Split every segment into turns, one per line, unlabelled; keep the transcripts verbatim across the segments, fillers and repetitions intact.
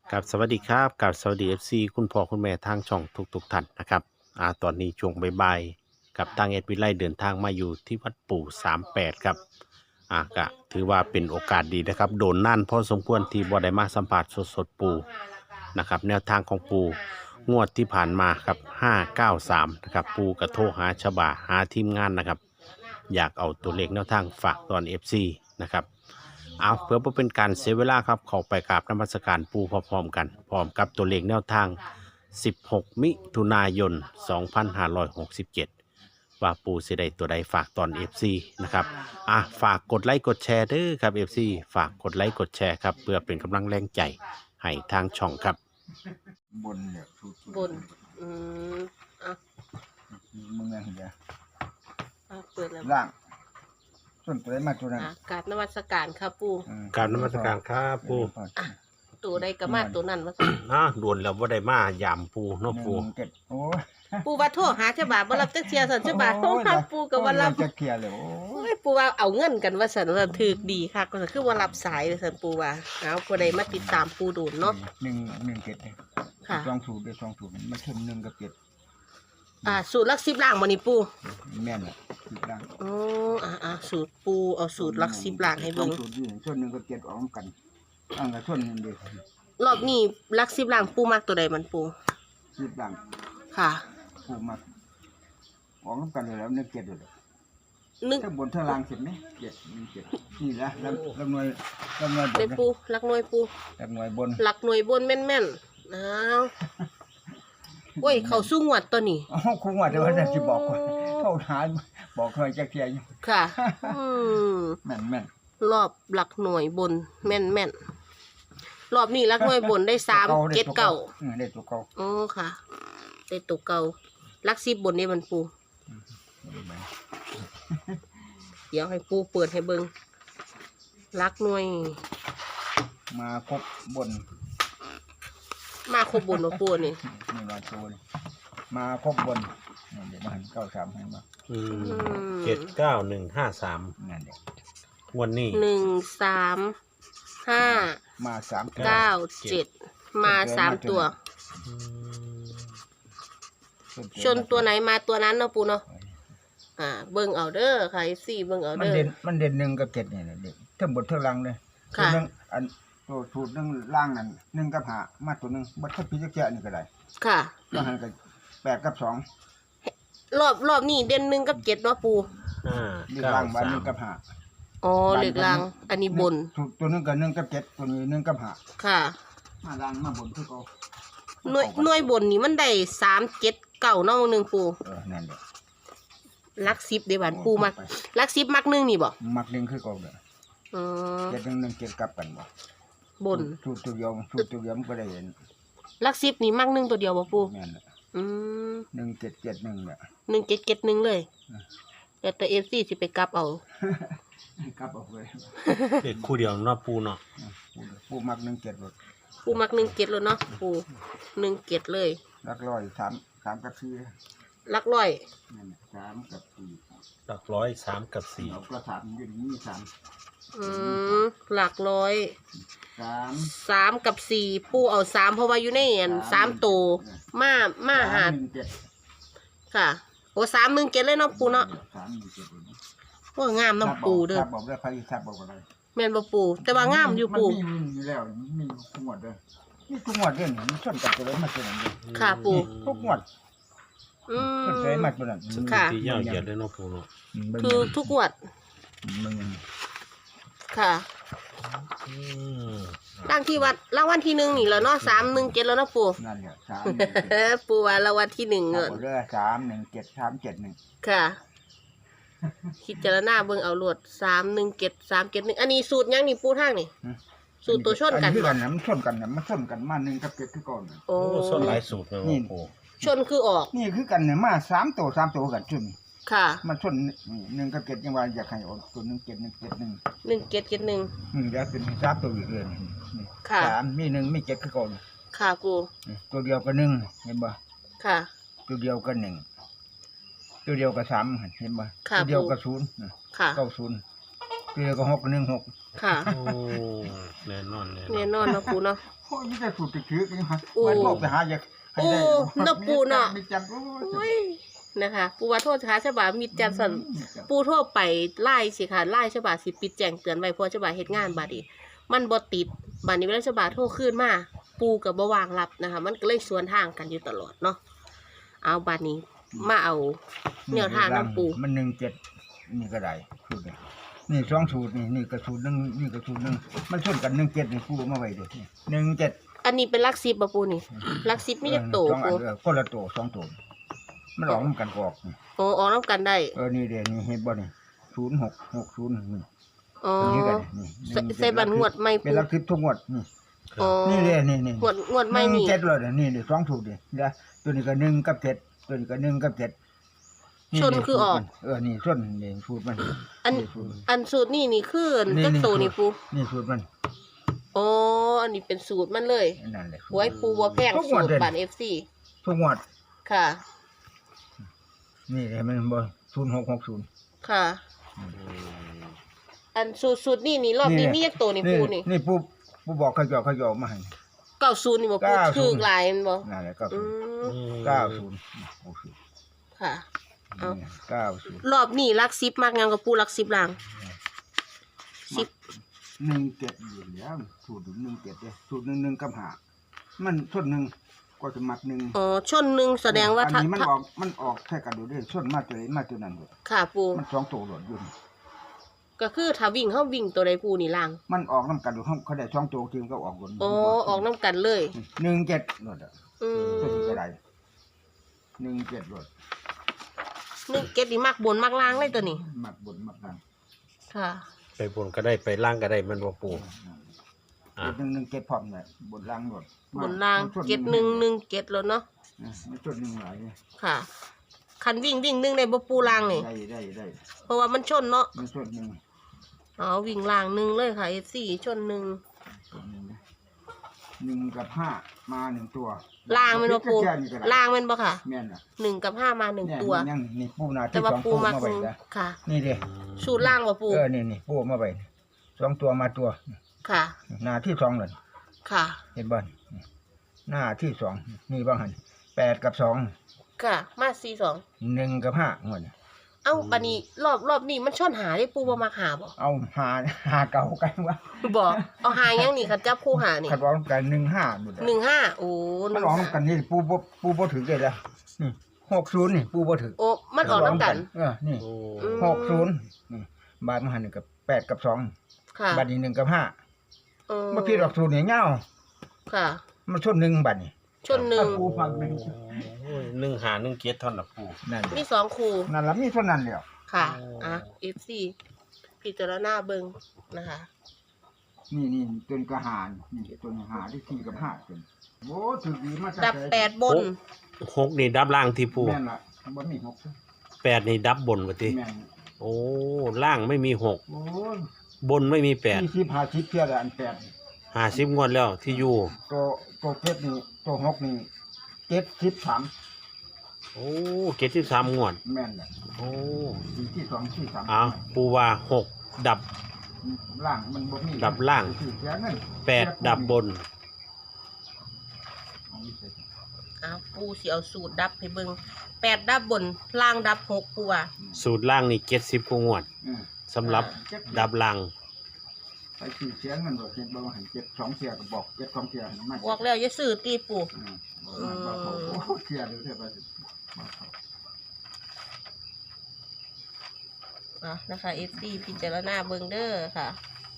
กับสวัสดีครับกับสวัสดี เอฟ ซี คุณพ่อคุณแม่ทางช่องทุกๆท่านนะครับอ่าตอนนี้ช่วงบ่ายๆกับทางเอ็ดวิไลเดินทางมาอยู่ที่วัดปู่สามแปดครับอ่าก็ถือว่าเป็นโอกาสดีนะครับโดนนั่นพอสมควรที่บ่ได้มาสัมผัสสดๆปู่นะครับแนวทางของปู่งวดที่ผ่านมาครับห้าเก้าสามนะครับปู่กระโทรหาชบาหาทีมงานนะครับอยากเอาตัวเลขแนวทางฝากตอน เอฟ ซี นะครับเอาเพื่อบ่เป็นการเสียเวลาครับเข้าไปกราบนมัสการปู่พร้อมๆกันพร้อมกับตัวเลขแนวทาง สิบหก มิถุนายน สองพันห้าร้อยหกสิบเจ็ด ว่าปู่สิได้ตัวใดฝากตอน เอฟ ซี นะครับอ่ะฝากกดไลค์กดแชร์เด้อครับ เอฟ ซี ฝากกดไลค์กดแชร์ครับเพื่อเป็นกำลังแรงใจให้ทางช่องครับ
บนเนี่ยถูก
บน อืมอ่ะ
มึงไงเดี๋ยว
อ่ะเปิดแล้ว
ล่างส่วนตัวได้มาตัวนั้น
อ่ะกราบนมัสการครับปู่
อืม
กราบนมัสการครับปู่
ตัวใดก็มาตัวนั้นว่าซั่น
อ่ะด่วนแล้วว่าได้มายามปู่เนาะ
ห
ปู่
นึ่งเจ็ดโอ้ย
ปู่ว่าโทรหาฉบาบ่รับจักเที่ยซั่นฉบาโทรหาปู่ก็บ่รับ
โอ้ยจะเคลียร์เลยโอ้
โอ้
ย
ยปู่ว่าเอาเงินกันว่าซั่นว่าซั่นถูกดีคักว่าซั่นคือว่ารับสายว่าซั่นปู่ว่าเอาผู้ใดมาติดตามปู่ดูนเนาะ
หนึ่งหนึ่งเจ็ดเลย
ค่ะ
สองถูกด้วยสองถูกมันเข้มหนึ่งกับเจ็ด
อ่าสูตรหลักสิบล่างบ่นี่ปู่
แม่นแหละถูกล่าง
อ๋ออ่าอ่าสูตรปู่เอาสูตรหลักสิบล่างให้เบิ่ง
สอถูกด้วยส่วนหนึ่งกับเจ็ดออกกันอันกับส่วนหนึ่งเดียว
รอบนี้หลักสิบล่างปู่มักตัวใดมันปู่
สิบล่าง
ค่ะ
ผูกมาออกกันเลยแล้วหนึ่งเจ็ดเลย
นึก
ถ้าบนถ้าล่างเสร็จไหมเจ็ดหนึ่งเจ็ดนี่ละลำลำหน่วยลำหน่วยบ
ได้
นนะ
ปู่หลักหน่วยปู่
ลำหน่วยบน
หลักหน่วยบนแม่นๆอ้าวโอ้ย เขาสู้งวดตัวนี้
อ๋อคงว่าแต่ว่าจะสิบอกว่าเท่าทานบอกเคยจะเคลียร์อยู่
ค่ะ อืม
แม่นแม่น
รอบหลักหน่วยบน แม่นแม่นรอบนี้หลักหน่วยบนได้สามเจ็ดเก้า
อืมได้ตัวเก่า
อ๋อค่ะ ได้ตัวเก่าหลักสิบบนนี่มันปู เดี๋ยวให้ปูเปิดให้เบิงหลักหน่วย
มาครบบน
มาครบบนมาปูนี่
นี่มาตัวนี่มาครบบนนี่เดี๋ยวมาหันเก้าสามให้มา
อืมเจ็ดเก้าหนึ่งห้าสาม
นั่นเดี๋ยว
วันนี้
หนึ่งสามห้า
มาสาม
เก้าเจ็ดมาสามตัว
อืม
ชนตัวไหนมาตัวนั้นเนาะปูเนาะ อ่า เบิ่งเอาเด้อค่ะสี่เบิ่งเอา
มัน
เด้อ
เด่นมันเด่นหนึ่งกับเจ็ดนี่แหละเด็กทั้งบนทั้งล่างเลย
ค่ะ
ตัวหนึ่งอันตัวสูตรหนึ่งล่างนั่นหนึ่งกับหามาตัวหนึ่งบัดถ้าพิจารณานี่ก็ได้
ค่ะ
ก็หันกับแปดกับสอง
รอบรอบนี้เด่นหนึ่งกับเจ็ดเนาะปู
ห้า
นี่
เก้า
ล่างบ้าน
สา
หนึ่
ม
งกับหา
อ๋อเหล็กลาง อันนี้บน
ตัวตัวหนึงกับหนึ่งกับเจ็ดตัวนี้หนึ่งกับหา
ค่ะ
มาล่างมาบนคือเขา
หน่วยหน่วยบนนี่มันได้สามเจ็ดเก่าเนาะหนึ่งปู
เออนั่นแหละ
ลักซิบเดี๋ยวบานปูมักลักซิบมักหนึ่งนี่บ่
มักหนึ่งคือเขาเด้อ
อืม
เจ็ดหนึ่งหนึ่งเจ็ดกลับกันบ่
บน
สูตรตัวเดียวสูตรตัวเดียวมันก็ได้เห็น
ลักซิบนี่มักหนึ่งตัวเดียวบ่ปู
แม่นแหละ
อืม
หนึ่งเจ็ดเจ็ดหนึ่งเนี่ย
หนึ่งเจ็ดเจ็ดหนึ่งเลย
อืม
แต่แต่เอฟซีสิไปกลับเอา
กลับออกเลย
เด็กคู่เดียวเนาะปู่เนาะ
ผู้มักหนึ่งเจ็ดหมด
ปูมักหนึ่งเจ็ดเลยเนาะปูหนึ่งเจ็ดเลย
รักร้อยสามสามกับสี่
ลักร้อย
นั่นแหละสามกับสี่
หลักร้อยสามกับสี่
เราก็สามอยืนนี่สาม
อืมหลักร้อย
สาม
สามกับสี่ปูเอาสามเพราะว่าอยู่ในอันสามตัวมามาหา
สมหนึ่งเจ็ด
ค่ะโอ้สามหนึ่งเจ็ดเลยเนาะปูเนาะ
สามหนึ่งเจ็ดเลยนะ
ว่างามเน้ำปูเด้อ
ทับบอกได้ใครทับบอกอะไร
แม่นบ่ปูแต่ว่างามอยู่ปู
มันมีมีอยู่แล้วมีทุกงวดเลยนี่ทุกงวดเรื่องนี้มันชนกับตัวเลยมาตัวนั้นเลย
ค่ะปู
ทุกงวด
อื
ชน
ม
ตัวเลยมาตัวนั้น
สถิ
ค่ะ
ติยาวเหยียดเลยเนาะปู่เนาะ
คือทุกงวด
มึงยัง
ค่ะ
อืม
ร่างที่วัดรางวัลที่หนึ่งนี่แล้วเนาะสามหนึ่งเจ็ดแล้วเนาะปู
นั่นแหละสามหนึ่งเจ็ด
ปูว่ารางวัลที่หนึ่ง
เอา
เงิน
เรือสามหนึ่งเจ็ดสามเจ็ดหนึ่ง
ค่ะคิดเจารณาเบิ่งเอาโลดสามหนึ่งเจ็ดสามเจ็ดหนึ่งอันนี้สูตรยังนี่ปูทางนี่สูตรตัวชนกัน
คือ
บ่
กันนะมันชนกันนะมันชนกันมาหนึ่งกับเจ็ดคือก่อนน่ะ
โอ้
โอ้ส้นหลายสูตรเลย
นี่
เนาะปู่
ชนคือออก
นี่คือกันเนี่ยมาสามตัวสามตัวกันชน
ค่ะ
มันชนนี่หนึ่งกับเจ็ดยังว่าอยากให้ออกตัวหนึ่งเจ็ดหนึ่งเจ็ดหนึ่ง
หนึ่งเจ็ดเจ็ดหนึ่ง
อืมแล้วเป็นสามตัวอีกเลยนี่นี่
ค่ะ
สามมีหนึ่งมีเจ็ดคือก่อน
ค่ะปู
นี่ตัวเดียวกับหนึ่งเห็นบ่
ค่ะ
ตัวเดียวกับหนึ่งตัวเดียวกับสามเห็นบ่
ค่ะ
ตัวเดียว
ปู่
กับศูนย์
ค่ะ
เก้าศูนย์ปีก็หกหนึ่งหก
ค่ะ
โอ้แน่นอนแน่น
แน่
อน
นอนเนาะปูเนาะ
โอ้ยมีแต่สูตรติดถือกันฮะ
โอ้
มันบอกไปหาอยากให้ได้
โอ้น่ะปู่น่ะ
มีจันโอ้
โอ้
ย
ยนะคะ ปูว่าโทษช้าฉบามิดจันสันปูโทษไปไล่สิค่ะไล่ฉบาสิปิดแจ้งเตือนไว้เพราะฉบาเฮ็ดงานบาดนี้มันบ่ติดบาดนี้เวลาฉบาโทรขึ้นมาปูกับบ่วางรับนะคะ มันก็เลยสวนทางกันอยู่ตลอดเนาะเอาบาดนี้มาเอาแนวทางน้ำปู
มันหนึ่งเจ็ดนี่ก็ได้สูตรนี่นี่สองสูตรนี่นี่ก็สูตรหนึ่งนี่ก็สูตรหนึ่งมันชนกันหนึ่งเจ็ดนี่ปูมาไว้เด้วยหนึ่งเจ็ด
อันนี้เป็นลักซิบบ่ปูนี่ลักซิบมีจักโต
สองอั
ปู
นเออคนละโตสองโตมันออกมันกันก็ออกนี่
โอ้ออกนํกันได้
เออนี่เดี๋ยวนี่เห็นบ่นี่ศูนย์หกหกศูนย์นี่
อ๋อ
ตัวนี้กันนี่
ใส่ใส่บันงวดไม่
เป็น
ปู
ลักทิพย์ทุกงวดนี่
อ๋อ
นี่เดี๋ยวนี่นี่
งวดงวดไม่
หนึ่
นี่
งเจ็ดเลยเดี๋ยวนี่เดี๋ยวสองสูตรเดี๋ยวเดี๋ยวตัวนี้ก็หนึ่งกับเจ็ดตัวนี้ก็หนึ่งกับเจ็ด
ชนคือออก
เออนี่ชนนี่สูตรมัน
อัน
สูตรมัน
อันสูตรนี่นี่คือ
นี่
จักโตนี่ปู
นี่สูตรมัน
อ๋ออันนี้เป็นสูตรมันเลย
นั่นแหละสูตร
หวยปูบ่แพง
ทุกง
สู
วด
ตร
เลย
บัน เอฟ ซี
ทุกงวด
ค่ะ
นี่เห็นไหมบ่ศูนย์หกหกศูนย์
ค่ะ อันสูตรสูตรนี่นี่รอบนี้มีจักโตนี่ปูนี่
นี่ปูปูบอกขยอขยอมาให้
เก้าศูนย์นี่บ่ปู
เก้าศู
ถู
นย์
กหลายแมันบ่
นั่นแหละเก้า
อื
ศูนย์
ม
เก้าศูนย์หกศูนย์
ค่ะ เอา
เก้าศูนย์
รอบนี้ลักซิบมากยังกับปูลักซิบล่างสิบ
หนึ่งเจ็ดอยู่แล้วสูตรหนึ่งเจ็ดเนี่ยสูตรหนึ่งหนึ่งกับหามันส่วนหนึ่งก็จะมัดหนึ่ง
อ๋อชนหนึ่งแสดงว่า
อัน
ถ้า
นี้มัน
ถ้า
ออกมันออกแค่กันดูด้วยส่วนมาตัวไหนมาตัวนั้นเลย
ค่ะปู
มันสองตัวหลดอยู่นี่
ก็คือถ้าวิ่งเฮาวิ่งตัวใดปูนี่ล่าง
มันออกน้ำกันดูห้องเขาได้สองตัวทีมก็ออกหลด
อ๋อออกน้ำกันเลย
หนึ่งเจ็ดหลดอ่ะ
อืม
ตัวนี้ก็ได้หนึ่งเจ็ดหลด
นึกเก็ตนี่มากบนมากล่างเลยตัวนี้
มักบนมักล่าง
ค่ะ
ไปบนก็ได้ไปล่างก็ได้มันบ่ปูอ่ะ
หนึ่งหนึ่งเจ็ดพร้อมเลยบนล่างหลด
บนล่างเก็ตหนึ่งหนึ่งเก็ตแล้วเนาะ
อ่ะมันส่วนหนึ่งหลายเนี่ย
ค่ะ คันวิ่งวิ่งหนึ่งในบ่ปูล่างนี่
ได้ได้ได้
เพราะว่ามันชนเนาะ
มันส่วนหนึ่ง
อ๋อวิ่งล่างหนึ่งเลยค่ะเอฟซีชนหนึ่ง
ส่วนหนึ่งนะหนึ่งกับห้ามาหนึ่งตัว
ล่างแมันบ่ปู
แค่นี้ก็ได้
ล่างแมันบ่ค่ะ
แม่นอ่ะ
หนึ่งกับห้ามาหนึ่ง
เนี่ย
ตัว
ยังนี่ปูนา
แต่
ที่
ว่า
สอง
ปู
ปู
มา
มา
ค
ไว้
ง
นะ
ค่ะ
นี่เด้
สูตรล่างบ่ปู
เออนี่นี่ปูมาไว้สองตัวมาตัว
ค่ะ
หน้าที่สองเลย
ค่ะ
เห็นบ้านหน้าที่สองนี่บ้างหันแปดกับสอง
ค่ะ มาสี่สอง
หนึ่งกับห้าหมด
เอ้าบัดนี้รอบรอบนี้มันชนหาได้ปูบ่มาหาบ่
เอาหาหาเก่ากันวะ
บ่เอาหายังนี่คันจับคู่หานี่
ขัดร้องกันหนึ่งห้าหมด
หนึ่งห้าโอ้ห
มัน
นึ่ง
ร้อง
ห้า
กันนี่ปูบ่ปูบ่ถือเลยละนี่หกศูนย์นี่ปูบ่ถือ
โอ้มันออกน้ำกัน
เออนี่
โอ้
อืม
หกศูนย์นี่บาทมาหันหนึ่งกับแปดกับสอง
ค่ะ
บาทนี้หนึ่งกับห้า
เออ
เมื่อพี่ดอกศูนย์เนี่ยเงา
ค่ะ
มันชนหนึ่งบาทนี่
ชนหนึ่ง
ปูฟังหนึ่ง
โอ้ยหนึ่งหาหนึ่งเกียรติเท่านั้นล่ะปู
นั่น
มีสองคู่
นั่นละมีเท่านั้นแล้ว
ค่ะ
โอ้
อ่ะ เอฟ ซี พิจารณาเบิงนะคะ
นี่นี่จนกระหารนี่จนหาที่สี่กับห้าจนโอ้ถือดีมาจาก
ดับ
ไหน
แปดบน
หกนี่ดับล่างที่ปู
แม่นละบ่มีหก
แปดนี่ดับบนว่าติ
แม่น
โอ้ล่างไม่มีหก
โอ้ย
บนไม่มีแปด
สี่สิบห้าสิบเพียละอันแปด
ห้าสิบงวดแล้วที่อยู่
ตัวตัวเจ็ดนี่ตัวหกนี่เจ็ดสิบสาม
โอ้เกียรติสามงวด
แม่นละ
โอ้
สี่ที่สองที่สาม
เอาปูว่าหกดับ
ล่างมันบ่มี
ดับล่าง
สี่เสียเงิน
แปดดับบน
เอาอีกเลย
อ่ะปูสิเอาสูตรดับให้เบิงแปดดับบน ล่างดับหกปูอ่ะ
สูตรล่างนี่เจ็ดสิบกว่างวด
อืม
สำหรับดับล่าง
ไปสี่เสียเงินบ่เจ็ดบ่ให้เจ็ดสองเสียก็บอกเจ็ดสองเสียให้มัน
บอกแล้วอย่าซื้อตีปู
อืมบอกว่าบอกว่าโอ้เสียเดี๋ยวเสียไปสิบอกเขา
อ่ะนะคะเอฟซีพิจารณาเบิงเด้อค่ะ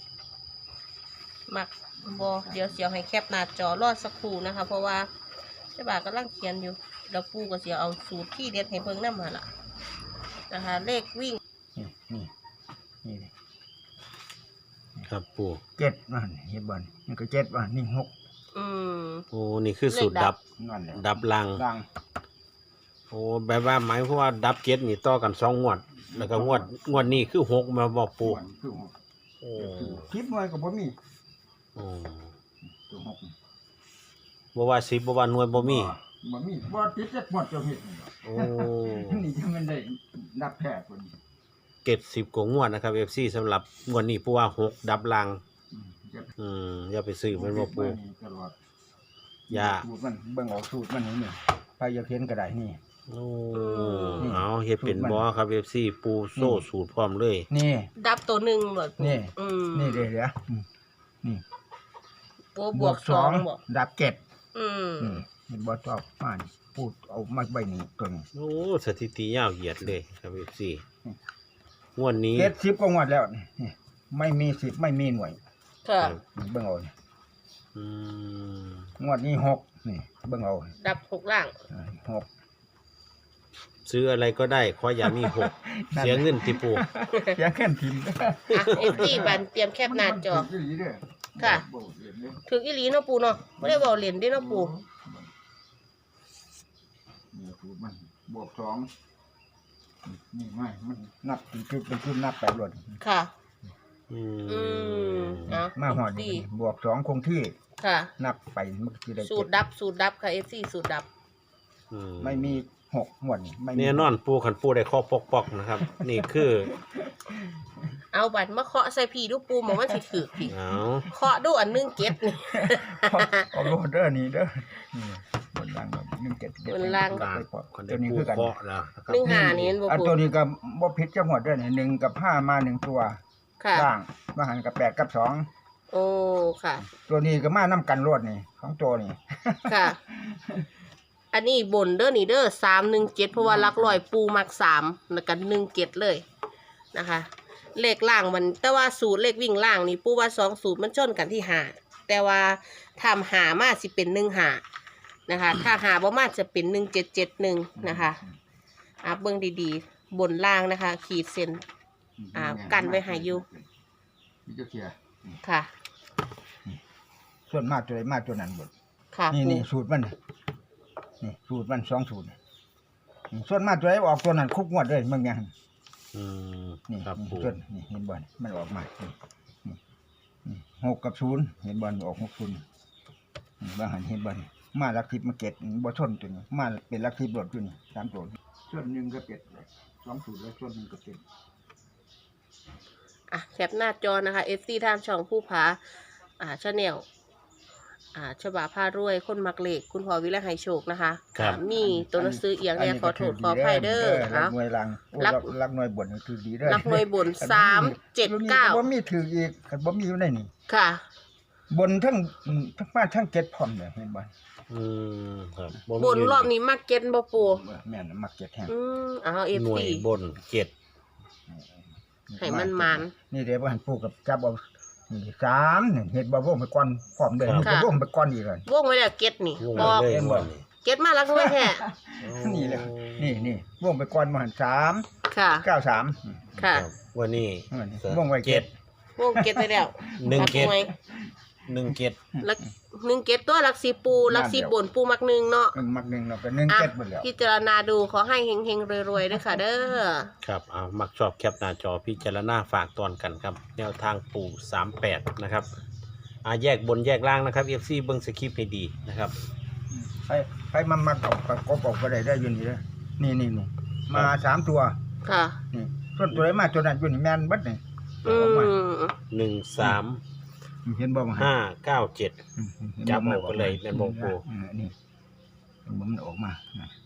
มักบอเดี๋ยวเสียวให้แคปหน้าจอรอดสักครู่นะคะ เพราะว่าเจ้าบ่าวกำลังเขียนอยู่แล้วปูก็เสียเอาสูตรที่เด็ดให้เบิ่งนำมาล่ะนะคะ เลขวิ่ง
นี่นี่นี่
ครับปู
เจ็ดมันเห็นบ่นนี่ก็เจ็ดว่านี่หก
อืม
โอ้นี่คือสูตรดับ
นั่นแหละ
ดับล่าง
ล่าง
โอ้แบบว่าหมายความว่าดับเกียรตินี่ต่อกันสองงวด แล้วก็งวดงวดนี้คือหกมาบอกปู
ส่วนคือหก
โอ้
คิดหน่วยก็บ่มี
โอ้
ตัวหก
บ่ว่าสิบบ่ว่าหน่วยบ่มี
บ่มีบ่ติดจักหมดเจ้าเฮ็ดนี่หรอก
โอ้
นี่จะมันได้นับแพ้คนนี้
เก็บสิบกว่างวดนะครับ เอฟ ซี สำหรับงวดนี้ปูว่าหกดับลัง
อืมเจ็ด
อืมอย่าไปซื้อมันบ่ปู
ตลอด
อย่า
สูตรมันเบิ่งออกสูตรมันนี่นี่ไปอยากเห็นก็ได้นี่
โอ้
นี่
เอาเฮ็ดเป็นบ่ครับ เอฟ ซี ปูโซ่สูตรพร้อมเลย
นี่
ดับตัวหนึ่งหมด
นี่
อืม
นี่เดี๋ยวเดี๋ยวอืมนี่
โอ้บวกสองบอก
ดับเจ็ด
อืม
นี่เห็นบ่ชอบมานี่พูดเอามาใบนี้ตัวนี้
โอ้สถิติยาวเหยียดเลยครับ เอฟ ซี งวดนี้
เจ็ดสิบก็งวดแล้วนี่ไม่มีสิบไม่มีหน่วย
ค่ะ
นี่เบิ่งเอานี่
อืม
งวดนี้หกนี่เบิ่งเอา
ดับหกล่าง
อ่าหก
ซื้ออะไรก็ได้ขออย่ามีหก
นั่น
เสียเงินติปู
เสียงแค่นทิม
อ่ะเอฟซีบันเตรียมแคปหน้าจอ
มันถืกอีหลีเด้อ
ค่ะ
บ่เห็นเด้อ
ถึงอีหลีเนาะปูเนาะไม่ได้บอกเหรียญได้เนาะปู
นี่สูตรมันบวกสองนี่ไม่มันนับเป็นจุดเป็นจุดนับไปรวด
ค่ะ
อื
อืม
ม
เอา
มาหอด
ดี
นี่บวกสองคงที่
ค่ะ
นับไปมันก็คือได้
สูตร
เจ็ด
ดับสูตรดับค่ะเอฟซีสูตรดับ
อื
ไม่มีหกงวดนี่ไม่มี
แน่นอนปูขันปูได้ข้อปอกปอกๆนะครับ นี่คือ
เอาบัตรมาเคาะใส่พีดูปูหมอว่าสิถือพี
เอา
เคาะดูอันหนึงเก็ตนี่
เอาเอาโลดเด้อนี่เด้อนี่บนล่างแบบหนึ่งเจ็ด
บนล่าง
ต่าง
ไปปอก
คน
ตั
ได้
วนี้
ปู
คือกัน
เคาะแล้วนะครับ
หนึ่งหานี่เห็นบ่
อัน
ปู
ตัวนี้ก็บ่ผิดจังหวัดเด้อนี่หนึ่งกับห้ามาหนึ่งตัว
ค่ะ
ล่างมาหันกับแปดกับสอง
โอ้ค่ะ
ตัวนี้ก็มานํกันรวดนี่ของตัวนี่
ค่ะ อันนี้บนเด้อนี่เด้อสามหนึ่งเจ็ดเพราะว่าหลักลอยปูมักสามแล้วกันหนึ่งเจ็ดเลยนะคะ เลขล่างมัน แต่ว่าสูตรเลขวิ่งล่างนี่ปูว่าสองสูตรมันชนกันที่หาแต่ว่าทำหามาสิเป็นหนึ่งหานะคะ ถ้าหาบ่มาจะเป็นหนึ่งเจ็ดเจ็ดหนึ่งนะคะอ่ะเบิ่งดีๆ บนล่างนะคะ ขีดเส้น อ่ากันไว้ให้อยู่
นี่จะเคลียร์
ค่ะ
ส่วนมากตัวใดมากตัวนั้นเบด
ค่ะ
นี่
ปู
นี่สูตรมันนี่สูตรมันสองสูตรนี่ส่วนมากตัวไหนออกตัวนั้นคุกงวดเลยมึงยัง
อืม
นี่
ครับ
นี่
ปู
ส่วนนี่เห็นบ่นี่มันออกมานี่นี่นี่หกกับศูนย์เห็นบ่นี่ออกหกศูนย์นี่บางหันเห็นบ่นี่มาลักทิพย์มาเก็ตบ่ชนตัวนี้มาเป็นลักทิพย์รถตัวนี้สามตัวนี่ส่วนหนึ่งก็เป็ดเลยสองสูตรแล้วส่วนหนึ่งก็เป็ด
อ่ะแคปหน้าจอนะคะ เอฟ ซี ทางช่องผู้ผาอ่าชาแนลอ่าฉบาผ้ารวยคนมักเลขคุณพ่อวิไลไหโชคนะคะอ่ามีตัวหนังสือเอียงเนี่ยขอโทษขออภัยเด้อ
รั
เอา
กหน่วยรังโอ้
รัก
รักรักหน่วยบนนี่คือดีเด้อ
นักหน่วยบนสามเจ็ดเก้า
บ่มีถืออีกคันบ่มีอยู่ในนี่
ค่ะ
บนทั้งอืมทั้งมาทั้งเก็ดพร้อมเลยเห็นบ่
อืมครับ
บนรอบนี้มักเก็ตบ่ปู
แม่นมักเก็ดแห้ง
อืมเอาเอฟ
หน่วย
ซี
บนเจ็ด
ให้มันมัน
นี่เดี๋ยวบ่หันปลูกกับจับเอานี่สามนี่เฮ็ดบ่วงไปก่อนพร้อมเด้อ
ค่ะ
มันก็วงไปก่อนอีกเลยว
งไว้แล้วเก็ตนี่
วง
บ
มา
อก
เลย
เห็นบ่
งวดนี้
เก็ตมาลักหน่วยแท้
นี่แหละนี่นี่วงไปก่อนมาหันสาม
ค่ะ
เก้าสาม
ค่ะ
รับวันนี้
วงไว้เก็
เจ็
ด
ด
วงเก็ตไปแล้ว
หนึ่งเก็ต
ลัหน่วย
หนึ่งเจ็ด
ลักหนึ่งเก็ตตัวลักสีปูลักสีบนปูมักหนึ่งเนาะ
หนึ่งมักหนึ่งเนาะก็หนึ่ง
อ่ะ
เก็ดเบิดแล้ว
พิจารณาดูขอให้เฮงๆรวยๆด้วยค่ะเด้อ
ครับเอามักชอบแคปหน้าจอพิจารณาฝากตอนกันครับ แนวทางปู่สามแปดนะครับอ่าแยกบนแยกล่างนะครับ เอฟ ซี เบิ้งสคริปต์ให้ดีนะครับ
ไปไปมามักเอาก็กบออกก็ได้ได้อยู่นี่เด้อนี่นี่นี่มาสามตัว
ค่ะ
นี่ส่วนตัวไหนมาตัวนั้นอยู่นี่แม่นเบัดนี่
อื
ออกมาม
หนึ่งสาม
เห็นบ่มา
ห้าเก้าเจ็ด
อืมห็น
จับ
มัน
เอาไปเลยแม่นบ่ปู่
อืมนี่เห็นบ่มันออกมาน่ะ